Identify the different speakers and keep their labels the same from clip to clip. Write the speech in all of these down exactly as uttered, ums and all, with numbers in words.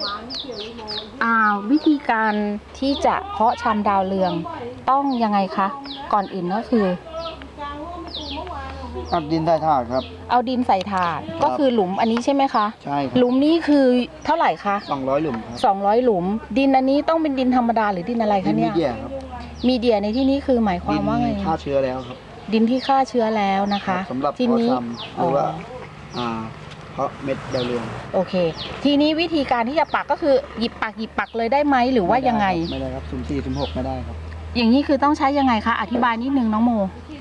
Speaker 1: อ่าวิธีการที่จะเพาะชำดาวเรืองต้องยังไงคะก่อนอื่นก็คือ
Speaker 2: เอาดินใส่ถาดครับ
Speaker 1: เอาดินใส่ถาดก็คือหลุมอันนี้ใช่ไหมคะ
Speaker 2: ใช่ครับ
Speaker 1: หลุมนี้คือเท่าไหร่คะ
Speaker 2: สองร้อยหลุมครับ
Speaker 1: สองร้อยหลุม ดินอันนี้ต้องเป็นดินธรรมดาหรือดินอะไร
Speaker 2: ดิ
Speaker 1: คะ
Speaker 2: นมี
Speaker 1: เนี่ย
Speaker 2: เดียครับ
Speaker 1: มีเดียในที่นี้คือหมายความว่าไง
Speaker 2: ดินฆ่าเชื้อแล้วครับ
Speaker 1: ดินที่ฆ่าเชื้อแล้วนะคะ
Speaker 2: สำหรับ
Speaker 1: ที
Speaker 2: เพาะ
Speaker 1: นี้
Speaker 2: ชำหรือว่าอ่าเพาะเม็ดดาวเรือง
Speaker 1: โอเค ทีนี้วิธีการที่จะปักก็คือหยิบปักหยิบปักเลยได้ไหมหรือว่ายังไง
Speaker 2: ไม่ได้ครับสุ่มสี่สุ่มหกไม่ได้ครับ
Speaker 1: อย่างนี้คือต้องใช้ยังไงคะอธิบายนิดนึงน้องโม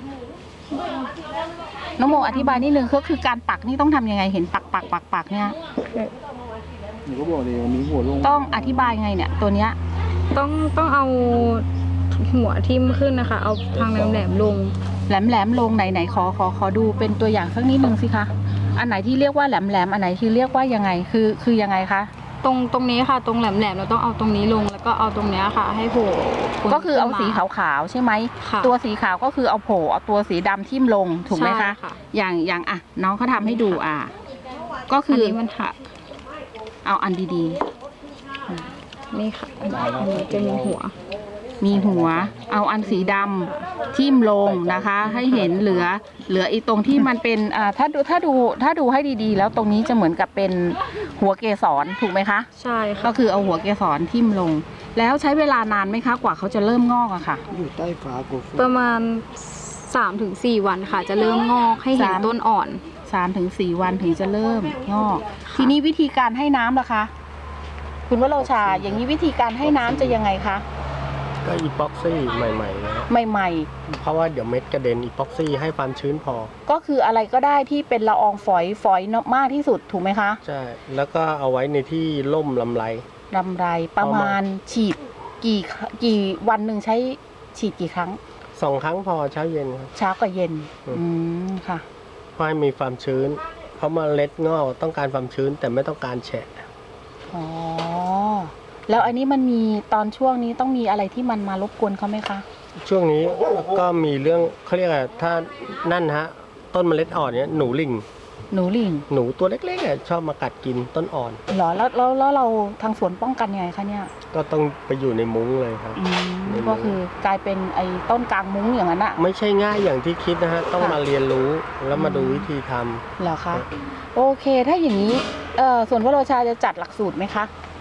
Speaker 1: น้องโมอธิบายนิดนึงก็คือการปักนี่ต้องทำยังไงเห็นปักปักปักปักเนี่ย
Speaker 2: หนูก็บอกเลยมีหัวลง
Speaker 1: ต้องอธิบายไงเนี่ยตัวเนี้ย
Speaker 3: ต้องต้องเอาหัวทิ่มขึ้นนะคะ เอาทางแหลมๆลง
Speaker 1: แหลมแหลมลงไหนไหนขอขอขอดูเป็นตัวอย่างสักนิดนึงสิคะอันไหนที่เรียกว่าแหลมแหลมอันไหนที่เรียกว่ายังไงคือคือยังไงคะ
Speaker 3: ตรงตรงนี้ค่ะ ตรงแหลมๆเราต้องเอาตรงนี้ลงแล้วก็เอาตรงเนี้ยค่ะ ให้โผล่พ้น
Speaker 1: ก็คือเอาสี
Speaker 3: ขึ้นม
Speaker 1: ขาวๆใช่ไหม
Speaker 3: ค่ะ
Speaker 1: ตัวสีขาวก็คือเอาโผล่เอาตัวสีดำทิ่มลงถูกไหมคะ
Speaker 3: ใช่ค่ะ
Speaker 1: อย่างอย่างอ่ะน้องเขาทำให้ดูอ่ะก็
Speaker 3: อั
Speaker 1: คื
Speaker 3: น
Speaker 1: อ
Speaker 3: นี้มันหัก
Speaker 1: เอาอันดี
Speaker 3: นี่ค่ะอันนี้จะมีหัว
Speaker 1: ๆ มีหัว เอาอันสีดำทิ่มลงนะคะ ให้เห็นเหลือเหลืออีตรงที่มันเป็นอ่าถ้าดูถ้าดูถ้าดูให้ดีๆ แล้วตรงนี้จะเหมือนกับเป็นหัวเกสรถูกไหมคะ
Speaker 3: ใช่ค่ะ
Speaker 1: ก็คือเอาหัวเกสรทิ่มลง แล้วใช้เวลานานไหมคะกว่าเขาจะเริ่มงอกอะค่ะ
Speaker 2: อยู่ใต้ฝากู
Speaker 3: ประมาณ สามถึงสี่ วันค่ะ จะเริ่มงอกให้เห็น
Speaker 1: สาม
Speaker 3: ต้นอ่อน
Speaker 1: สามถึงสี่วันถึงจะเริ่มงอก ทีนี้วิธีการให้น้ำล่ะคะ คุณวโรชา อย่างนี้วิธีการให้น้ำจะยังไงคะ
Speaker 4: ก็อีพ็อกซี่ใหม่ๆนะ
Speaker 1: ใหม่
Speaker 4: เพราะว่าเดี๋ยวเม็ดกระเด็นอีพ็อกซี่ให้ความชื้นพอ
Speaker 1: ๆ ก็คืออะไรก็ได้ที่เป็นละอองฝอยฝอยมากที่สุดถูกไหมคะ
Speaker 4: ใช่ แล้วก็เอาไว้ในที่ร่มลำไร
Speaker 1: ลำไรประมาณฉีดกี่กี่วันหนึ่งใช้ฉีดกี่ครั้ง
Speaker 4: สองครั้งพอเช้าเย็นครับ
Speaker 1: เช้ากับเย็น
Speaker 4: อืม
Speaker 1: อืมค่ะ
Speaker 4: เพราะให้มีความชื้น เพราะเมล็ดงอกต้องการความชื้นแต่ไม่ต้องการแฉะ
Speaker 1: อ๋อ แล้วอันนี้มันมีตอนช่วงนี้ต้องมีอะไรที่มันมารบกวนเขาไหมคะ
Speaker 4: ช่วงนี้ก็มีเรื่องเขาเรียกอะไรถ้านั่นฮะต้นเมล็ดอ่อนเนี้ยหนูลิง
Speaker 1: หนูลิง
Speaker 4: หนูตัวเล็กๆอ่ะชอบมากัดกินต้นอ่อน
Speaker 1: เหรอแล้วแล้วแล้วเราทางสวนป้องกันยังไงคะเนี่ย
Speaker 4: ก็ต้องไปอยู่ในมุ้งเลยครับ
Speaker 1: อืมก็คือกลายเป็นไอ้ต้นกลางมุ้งอย่างนั้นอะ
Speaker 4: ไม่ใช่ง่ายอย่างที่คิดนะฮะต้อง
Speaker 1: ค่ะ
Speaker 4: มาเรียนรู้แล้วมาดูวิธีทำ
Speaker 1: เหรอคะ โอเค ถ้าอย่างนี้เอ่อส่วนวโรชาจะจัดหลักสูตรไหมคะ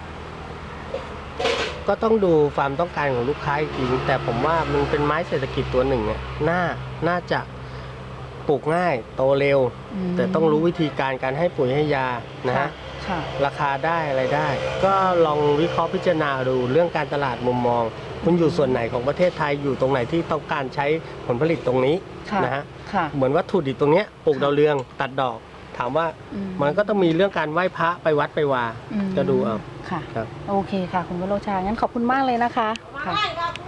Speaker 4: ก็ต้องดูความต้องการของลูกค้าอีกทีแต่ผมว่ามันเป็นไม้เศรษฐกิจตัวหนึ่งอ่ะน่าน่าจะปลูกง่ายโตเร็ว
Speaker 1: อืม
Speaker 4: แต่ต้องรู้วิธีการการให้ปุ๋ยให้ยานะฮะ
Speaker 1: ค่ะ
Speaker 4: ราคาได้อะไรได้ ก็ลองวิเคราะห์พิจารณาดูเรื่องการตลาดมุมมอง คุณอยู่ส่วนไหนของประเทศไทยอยู่ตรงไหนที่ต้องการใช้ผลผลิตตรงนี้
Speaker 1: ค่ะ
Speaker 4: นะฮะ
Speaker 1: ค่ะ
Speaker 4: เหมือนวัตถุดิบตรงเนี้ยปลูกดาวเรืองตัดดอก ถามว่า
Speaker 1: อื
Speaker 4: มันก็ต้องมีเรื่องการไหว้พระไปวัดไปวา
Speaker 1: อืม
Speaker 4: ก็ดูเอา
Speaker 1: ค่ะ
Speaker 4: ครับ
Speaker 1: โอเคค่ะ คุณวโรชา งั้นขอบคุณมากเลยนะคะค่ะ